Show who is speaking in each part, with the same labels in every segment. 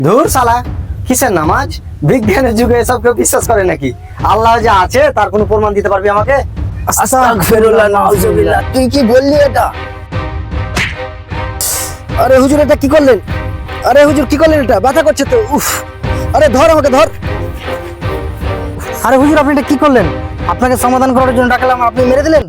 Speaker 1: ধুর শালা, কিসের নামাজ? বিজ্ঞানের যুগে এসব কেউ বিশ্বাস করে নাকি? আল্লাহ যে আছে তার কোনো প্রমাণ দিতে পারবি আমাকে?
Speaker 2: আস্তাগফিরুল্লাহ, নাউজুবিল্লাহ। তুই কি বললি এটা? আরে হুজুর, এটা কি করলেন? আরে হুজুর, কি করলেন? এটা ব্যথা করছে তো। উফ, আরে ধর, আমাকে ধর।
Speaker 3: আরে হুজুর, আপনি এটা কি করলেন? আপনাকে সমাধান করার জন্য ডাকলাম, আপনি মেরে দিলেন।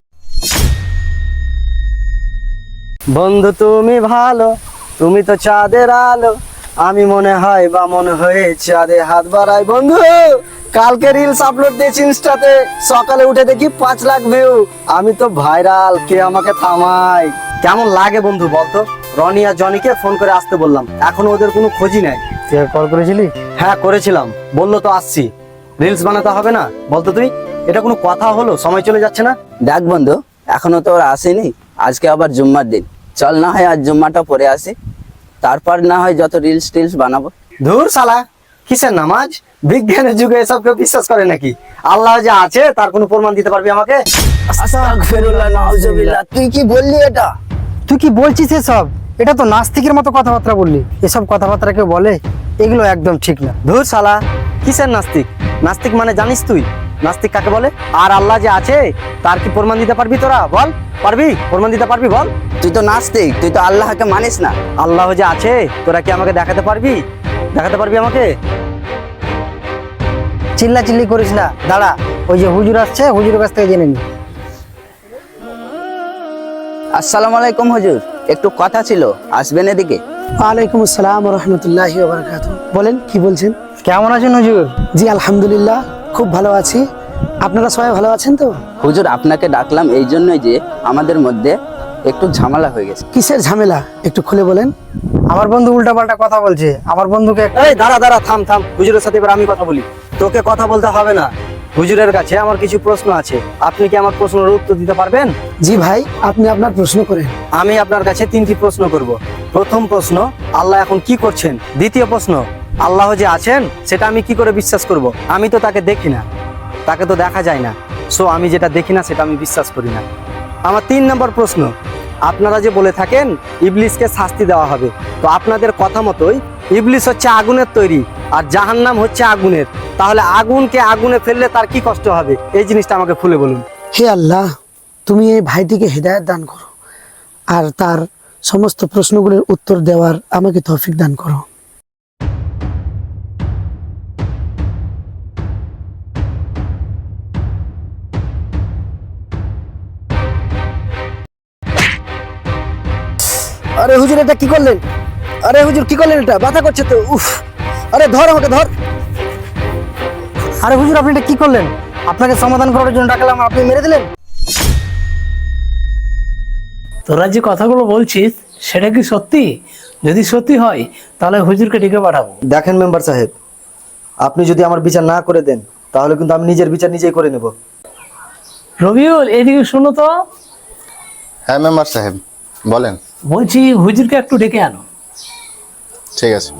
Speaker 1: বন্ধু তুমি ভালো, তুমি তো চাঁদের আলো, আমি মনে হয় বা মনে হয়ে চাঁদে হাত বাড়াই। বন্ধু, কালকে রিলস আপলোড দিয়েছি ইনস্টাতে, সকালে উঠে দেখি 5 লাখ ভিউ। আমি তো ভাইরাল, কে আমাকে থামাই? কেমন লাগে বন্ধু বলতো? রনি আর জনিকে ফোন করে আসতে বললাম, এখনো ওদের কোনো খোঁজই নাই।
Speaker 3: তুই কল করেছিলি?
Speaker 1: হ্যাঁ করেছিলাম, বললো তো আসছি। রিলস বানাতে হবে না বলতো তুই? এটা কোনো কথা হলো? সময় চলে যাচ্ছে না?
Speaker 2: দেখ বন্ধু, এখনো তো ওরা আসেনি। আজকে আবার জুম্মার দিন, চল না হয় আজ জুম্মাটা পরে আসি, তারপর না হয় যত রিলস টিলস বানাবো।
Speaker 1: ধুর শালা, কিসের নামাজ? বিজ্ঞানের যুগে এসব কেউ বিশ্বাস করে নাকি? আল্লাহ যে আছে তার কোনো প্রমাণ দিতে পারবি আমাকে?
Speaker 2: আস্তাগফিরুল্লাহ, নাউজুবিল্লাহ। তুই কি বললি এটা?
Speaker 3: তুই কি বলছিস এসব? এটা তো নাস্তিকের মতো কথাবার্তা বললি। এসব কথাবার্তা কেউ বলে? এগুলো একদম ঠিক না।
Speaker 1: ধুর শালা, কিসের নাস্তিক? নাস্তিক মানে জানিস তুই? নাস্তিক কাকে বলে? আর আল্লাহ যে আছে তার কি প্রমাণ দিতে পারবি তোরা? বল, পারবি? প্রমাণ দিতে পারবি? বল।
Speaker 2: তুই তো নাস্তিক, তুই তো আল্লাহকে মানিস না।
Speaker 1: আল্লাহ যে আছে তোরা কি আমাকে দেখাতে পারবি? দেখাতে পারবি আমাকে?
Speaker 3: চিল্লা চিল্লি করিস না, দাঁড়া। ওই যে হুজুর আসছে, হুজুরের কাছ থেকে জেনে নি।
Speaker 2: আসসালামু আলাইকুম হুজুর, একটু কথা ছিল, আসবেন এদিকে?
Speaker 4: ওয়ালাইকুম আসসালাম রহমতুল্লাহি ওয়া বারাকাতুহু। বলেন, কি বলছেন?
Speaker 3: কেমন আছেন হুজুর?
Speaker 4: জি আলহামদুলিল্লাহ, খুব ভালো আছি। আপনারা সবাই ভালো আছেন তো?
Speaker 2: হুজুর, আপনাকে ডাকলাম এই জন্যই যে আমাদের মধ্যে একটু ঝামেলা হয়ে গেছে।
Speaker 4: কিসের ঝামেলা, একটু খুলে বলেন।
Speaker 3: আমার বন্ধু উল্টাপাল্টা কথা বলছে। আমার বন্ধুকে
Speaker 1: এই দাঁড়া দাঁড়া, থাম থাম। হুজুরের সাথে এবার আমি কথা বলি। তোকে কথা বলতে হবে না, হুজুরের কাছে আমার কিছু প্রশ্ন আছে। আপনি কি আমার প্রশ্নের উত্তর দিতে পারবেন?
Speaker 4: জি ভাই, আপনি আপনার প্রশ্ন করেন।
Speaker 1: আমি আপনার কাছে 3টি প্রশ্ন করব। প্রথম প্রশ্ন, আল্লাহ এখন কি করছেন? দ্বিতীয় প্রশ্ন, আল্লাহ যে আছেন সেটা আমি কি করে বিশ্বাস করব? আমি তো তাকে দেখি না, তাকে তো দেখা যায় না। সো আমি যেটা দেখি না সেটা আমি বিশ্বাস করি না। আমার 3 নম্বর প্রশ্ন, আপনারা যে বলে থাকেন ইবলিসকে শাস্তি দেওয়া হবে, তো আপনাদের কথা মতোই ইবলিস হচ্ছে আগুনের তৈরি আর জাহান্নাম হচ্ছে আগুনের, তাহলে আগুনকে আগুনে ফেললে তার কি কষ্ট হবে? এই জিনিসটা আমাকে খুলে বলুন।
Speaker 4: হে আল্লাহ, তুমি এই ভাইটিকে হেদায়েত দান করো আর তার সমস্ত প্রশ্নগুলোর উত্তর দেওয়ার আমাকে তৌফিক দান করো।
Speaker 2: আরে হুজুর, এটা কি করলেন? আরে হুজুর, কি করলেন? এটা ব্যথা করছে তো। উফ, আরে ধর, আমাকে ধর।
Speaker 3: আরে হুজুর, আপনি এটা কি করলেন? আপনাকে সমাধান করার জন্য ডাকলাম, আপনি মেরে দিলেন।
Speaker 5: তোরা যে কথাগুলো বলছিস সেটা কি সত্যি? যদি সত্যি হয় তাহলে হুজুরকে ডেকে পাঠাবো।
Speaker 1: দেখেন মেম্বার সাহেব, আপনি যদি আমার বিচার না করে দেন তাহলে কিন্তু আমি নিজের বিচার নিজেই করে নেব।
Speaker 5: রবিউল, এদিকে শোনো তো।
Speaker 6: হ্যাঁ মেম্বার সাহেব, বলেন।
Speaker 5: বলছি হুজুরকে একটু ডেকে আনো।
Speaker 6: ঠিক আছে।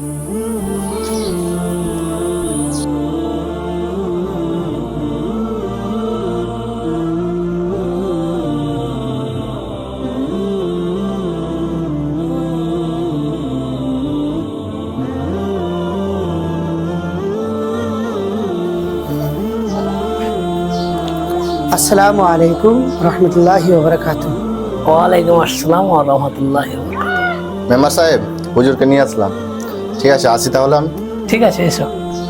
Speaker 4: আসসালামু আলাইকুম রহমতুল্লাহি ওয়া বারাকাতুহু।
Speaker 5: ওয়ালাইকুম আসসালাম ওয়া রাহমাতুল্লাহি ওয়া বারাকাতুহু।
Speaker 6: মেম্বার সাহেব, হুজুরকে নিয়ে আসলাম। ঠিক আছে, আসি তাহলে আমি।
Speaker 5: ঠিক আছে, এসো।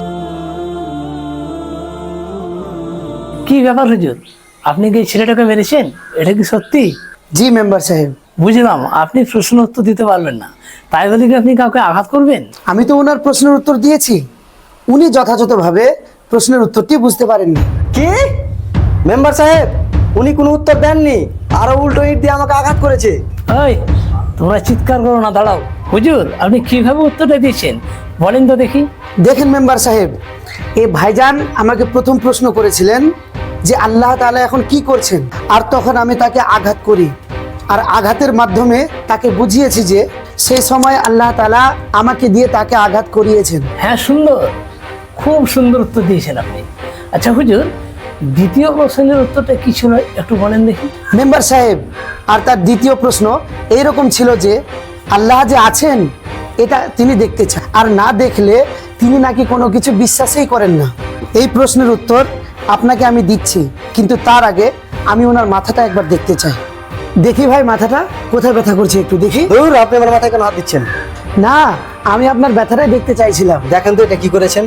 Speaker 5: কি ব্যাপার হুজুর, আপনি কি এই ছেলেটাকে মেরেছেন? এটা কি সত্যি?
Speaker 4: জি মেম্বার সাহেব,
Speaker 5: বুঝলাম আপনি প্রশ্ন উত্তর দিতে পারবেন না, তাই বলে কি আপনি কাউকে আঘাত করবেন?
Speaker 4: আমি তো ওনার প্রশ্নের উত্তর দিয়েছি, উনি যথাযথভাবে প্রশ্নের উত্তরটি বুঝতে পারেননি।
Speaker 1: কি? মেম্বার সাহেব, উনি কোনো উত্তর দেননি, আরো উল্টো ইট দিয়ে আমাকে আঘাত করেছে।
Speaker 5: ওই, তোমরা চিৎকার করো না, দাঁড়াও। হুজুর, আপনি কিভাবে উত্তরটা দিয়েছেন বলেন তো দেখি।
Speaker 4: দেখেন মেম্বার সাহেব, এই ভাইজান আমাকে প্রথম প্রশ্ন করেছিলেন যে আল্লাহ তাআলা এখন কি করছেন, আর তখন আমি তাকে আঘাত করি, আর আঘাতের মাধ্যমে তাকে বুঝিয়েছি যে সেই সময় আল্লাহ তাআলা আমাকে দিয়ে তাকে আঘাত করিয়েছেন।
Speaker 5: হ্যাঁ, সুন্দর, খুব সুন্দর উত্তর দিয়েছেন আপনি। আচ্ছা হুজুর, দ্বিতীয় প্রশ্নের উত্তরটা কি ছিল একটু বলেন দেখি।
Speaker 4: মেম্বার সাহেব, আর তার দ্বিতীয় প্রশ্ন এইরকম ছিল যে আল্লাহ যে আছেন এটা তিনি দেখতে চান, আর না দেখলে তিনি নাকি কোনো কিছু বিশ্বাসই করেন না। এই প্রশ্নের উত্তর আপনাকে আমি দিচ্ছি, কিন্তু তার আগে আমি ওনার মাথাটা একবার দেখতে চাই। দেখি ভাই, মাথাটা কোথায় ব্যথা করছে একটু দেখি।
Speaker 1: ধুর, আপনি আমার মাথায় কেন হাত দিচ্ছেন?
Speaker 4: না, আমি আপনার ব্যথাটাই দেখতে চাইছিলাম।
Speaker 1: দেখেন তো এটা কি করেছেন।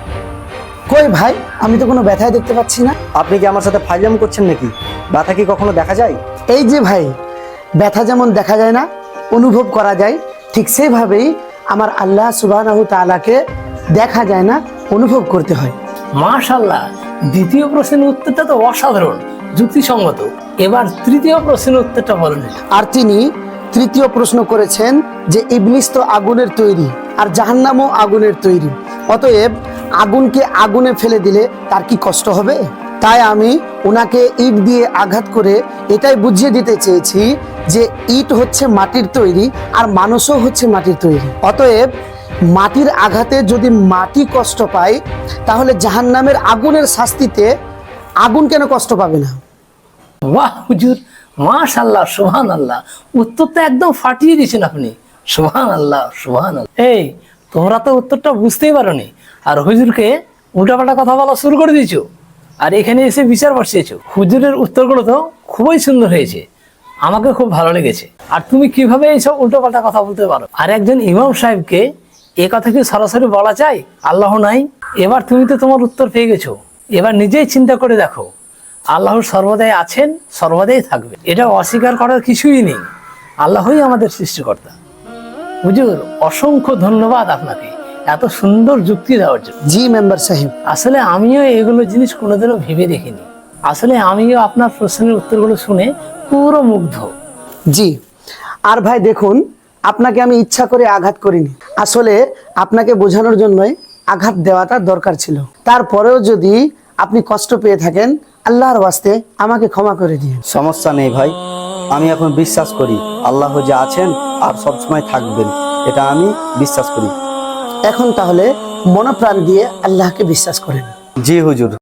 Speaker 4: কই ভাই, আমি তো কোনো ব্যথাই দেখতে পাচ্ছি না।
Speaker 1: আপনি কি আমার সাথে ফাইজলাম করছেন নাকি? ব্যথা কি কখনো দেখা যায়?
Speaker 4: এই যে ভাই, ব্যথা যেমন দেখা যায় না, অনুভব করা যায়, ঠিক সেইভাবেই আমার আল্লাহ সুবহানাহু তাআলাকে দেখা যায় না, অনুভব করতে হয়।
Speaker 5: মাশাআল্লাহ, দ্বিতীয় প্রশ্নের উত্তরটা তো অসাধারণ, যুক্তিসঙ্গত। এবার তৃতীয় প্রশ্নের উত্তরটা বলেন।
Speaker 4: আর তিনি তৃতীয় প্রশ্ন করেছেন যে ইবলিস তো আগুনের তৈরি আর জাহান্নামও আগুনের তৈরি, অতএব আগুনকে আগুনে ফেলে দিলে তার কি কষ্ট হবে? তাই আমি ওনাকে ইট দিয়ে আঘাত করে এটাই বুঝিয়ে দিতে চেয়েছি যে ইট হচ্ছে মাটির তৈরি আর মানুষও হচ্ছে মাটির তৈরি। অতএব মাটির আঘাতে যদি মাটি কষ্ট পায়, তাহলে জাহান্নামের আগুনের শাস্তিতে আগুন কেন কষ্ট পাবে না?
Speaker 5: বাহ হুজুর, মাশাআল্লাহ, সুবহানাল্লাহ, উত্তরটা একদম ফাটিয়ে দিয়েছেন আপনি। সুবহানাল্লাহ, সুবহানাল্লাহ। এই, তোমরা তো উত্তরটা বুঝতেই পারোনি, আর হুজুরকে উল্টাপাল্টা কথা বলা শুরু করে দিয়েছো, আর এখানে এসে বিচার বসিয়েছো। হুজুরের উত্তরগুলো তো খুবই সুন্দর হয়েছে, আমাকে খুব ভালো লেগেছে। আর তুমি কিভাবে এইসব উল্টোপাল্টা কথা বলতে পারো? আর একজন ইমাম সাহেবকে এ কথা কি সরাসরি বলা যায় আল্লাহ নাই? এবার তুমি তো তোমার উত্তর পেয়ে গেছো, এবার নিজেই চিন্তা করে দেখো, আল্লাহ সর্বদাই আছেন, সর্বদাই থাকবে, এটা অস্বীকার করার কিছুই নেই। আল্লাহই আমাদের সৃষ্টিকর্তা। হুজুর, অসংখ্য ধন্যবাদ আপনাকে এত সুন্দর যুক্তি দেওয়ার জন্য।
Speaker 4: জি মেম্বার সাহেব।
Speaker 5: আসলে আমিও এগুলো জিনিস কোনোদিনও ভেবে দেখিনি। আসলে আমিও আপনার প্রশ্নের উত্তরগুলো শুনে পুরো মুগ্ধ।
Speaker 4: জি, আর ভাই দেখুন, আপনাকে আমি ইচ্ছা করে আঘাত করিনি, আসলে আপনাকে বোঝানোর জন্যই আঘাত দেওয়াটা দরকার ছিল। তারপরেও যদি আপনি কষ্ট পেয়ে থাকেন, আল্লাহর ওয়াস্তে আমাকে ক্ষমা করে দিন।
Speaker 1: সমস্যা নেই ভাই, আমি এখন বিশ্বাস করি আল্লাহ যে আছেন আর সবসময় থাকবেন, এটা আমি বিশ্বাস করি।
Speaker 4: এখন তাহলে মনপ্রাণ দিয়ে আল্লাহকে বিশ্বাস করেন।
Speaker 1: জি হুজুর।